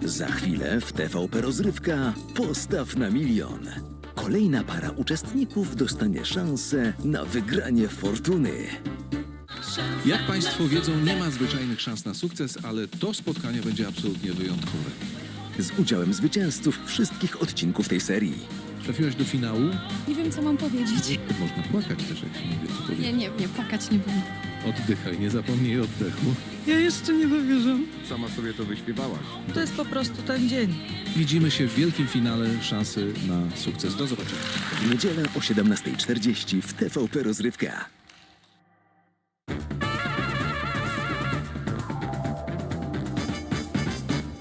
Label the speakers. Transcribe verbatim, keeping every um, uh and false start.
Speaker 1: Za chwilę w T V P Rozrywka Postaw na milion. Kolejna para uczestników dostanie szansę na wygranie fortuny.
Speaker 2: Jak Państwo wiedzą, nie ma zwyczajnych szans na sukces, ale to spotkanie będzie absolutnie wyjątkowe.
Speaker 1: Z udziałem zwycięzców wszystkich odcinków tej serii.
Speaker 2: Trafiłaś do finału?
Speaker 3: Nie wiem, co mam powiedzieć.
Speaker 2: Można płakać też, jak się nie wie, co
Speaker 3: Nie,
Speaker 2: powiedzieć.
Speaker 3: nie, nie, płakać nie będę.
Speaker 2: Oddychaj, nie zapomnij oddechu.
Speaker 4: Ja jeszcze nie dowierzam.
Speaker 5: Sama sobie to wyśpiewałaś.
Speaker 4: To jest po prostu ten dzień.
Speaker 2: Widzimy się w wielkim finale szansy na sukces. Do zobaczenia.
Speaker 1: W niedzielę o siedemnastej czterdzieści w T V P Rozrywka.